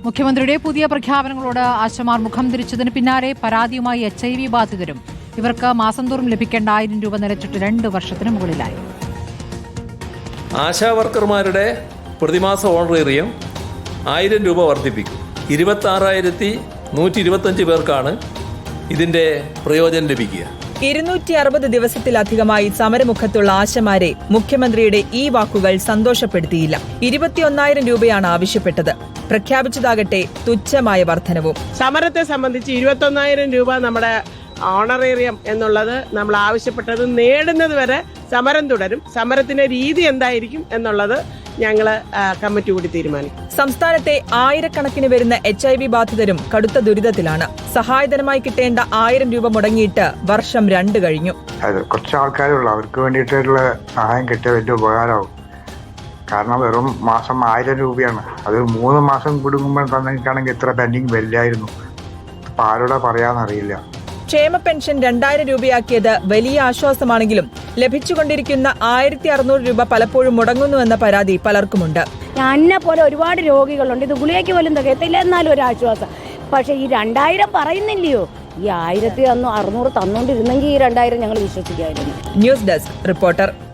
മുഖ്യമന്ത്രിയുടെ പുതിയ പ്രഖ്യാപനങ്ങളോട് ആശമാർ മുഖം തിരിച്ചതിന് പിന്നാലെ പരാതിയുമായി HIV ബാധിതരും ഇവർക്ക് മാസം തോറും ലഭിക്കേണ്ട 1000 രൂപ നിലച്ചിട്ട് 2 വർഷത്തിന് മുകളിലായി. ആശാ വർക്കർമാരുടെ പ്രതിമാസ ഓണറേറിയം 1000 രൂപ വർദ്ധിപ്പിക്കും. 26,125 പേർക്കാണ് ഇതിന്റെ പ്രയോജനം ലഭിക്കുക. 260 ദിവസത്തിലധികമായി സമരമുഖത്തുള്ള ആശമാരെ മുഖ്യമന്ത്രിയുടെ ഈ വാക്കുകൾ സന്തോഷപ്പെടുത്തിയില്ല. 21,000 രൂപയാണ് ആവശ്യപ്പെട്ടത്. പ്രഖ്യാപിച്ചതാകട്ടെ തുച്ഛമായ വർധനവും. സമരത്തെ സംബന്ധിച്ച് 21,000 രൂപ നമ്മുടെ ഓണറേറിയം എന്നുള്ളത് നമ്മൾ ആവശ്യപ്പെട്ടത് നേടുന്നത് വരെ സമരം തുടരും. സമരത്തിന്റെ രീതി എന്തായിരിക്കും എന്നുള്ളത് ഞങ്ങൾ കമ്മിറ്റി കൂടി തീരുമാനിക്കും. സംസ്ഥാനത്തെ ആയിരക്കണക്കിന് വരുന്ന HIV ബാധിതരും കടുത്ത ദുരിതത്തിലാണ്. സഹായധനമായി കിട്ടേണ്ട 1000 രൂപ മുടങ്ങിയിട്ട് വർഷം 2 കഴിഞ്ഞു. കുറച്ച് ആൾക്കാരുള്ളൂ, അവർക്ക് വേണ്ടിയിട്ടുള്ള സഹായം കിട്ടിയ വലിയ ഉപകാരമാവും. കാരണം വെറും മാസം 1000 രൂപയാണ്. അത് 3 മാസം കുടുങ്ങുമ്പോൾ തന്നെയാണെങ്കിൽ ഇത്ര പെൻഡിങ് വരില്ലായിരുന്നു. ഇപ്പം ആരോടാ പറയാന്നറിയില്ല. ക്ഷേമ പെൻഷൻ 2000 രൂപയാക്കിയത് വലിയ ആശ്വാസമാണെങ്കിലും ലഭിച്ചുകൊണ്ടിരിക്കുന്ന 1600 രൂപ പലപ്പോഴും മുടങ്ങുന്നുവെന്ന പരാതി പലർക്കുമുണ്ട്. എന്നെ പോലെ ഒരുപാട് രോഗികളുണ്ട്. ഇത് ഗുളികയ്ക്ക് പോലും തികയത്തില്ല, എന്നാലും ഒരു ആശ്വാസം. പക്ഷേ ഈ 2000 പറയുന്നില്ലയോ? ഈ 1600 തന്നോണ്ടിരുന്നെങ്കിൽ ഈ 2000 ഞങ്ങൾ വിശ്വസിക്കായിരുന്നു. News desk reporter.